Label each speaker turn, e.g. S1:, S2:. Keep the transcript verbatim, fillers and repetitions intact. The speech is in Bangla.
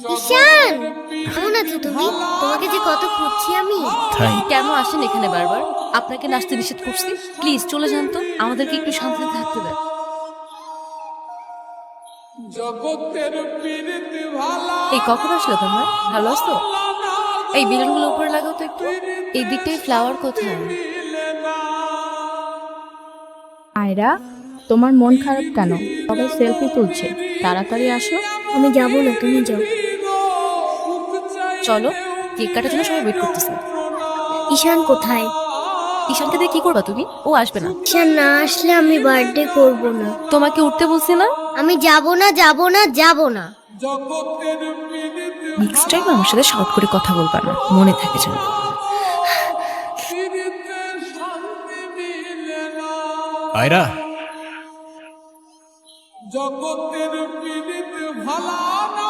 S1: ঈশান, কেমন আছো তুমি? তোমাকে যে কত খুঁজছি আমি।
S2: তাই
S3: কেন আসেন এখানে বারবার? আপনাকে নাচতে নিষেধ করছি। প্লিজ চলে যান তো, আমাদেরকে একটু শান্তিতে থাকতে দেন। এই কখন আসলে তোমরা? ভালো আছো? এই বেলুনগুলো উপরে লাগাও তো একটু। এই দিকটায় ফ্লাওয়ার কোথায়?
S4: আয়রা, তোমার মন খারাপ কেন? সবাই সেলফি তুলছে, তাড়াতাড়ি আসো।
S1: আমি যাবো না, তুমি যাও।
S3: চলো, কেক কাটার জন্য সবাই ওয়েট করতেছে।
S1: ঈশান কোথায়?
S3: ঈশানকে দিয়ে কি করবা তুমি? ও আসবে না।
S1: ঈশান না আসলে আমি বার্থডে করব না।
S3: তোমাকে উঠতে বলছি না?
S1: আমি যাব না, যাব না, যাব না।
S3: নেক্সট টাইম আমার সাথে শর্ট করে কথা বলবা না, মনে থাকে যেন।
S2: আয়রা,
S5: জগতের পীড়িত ভালা না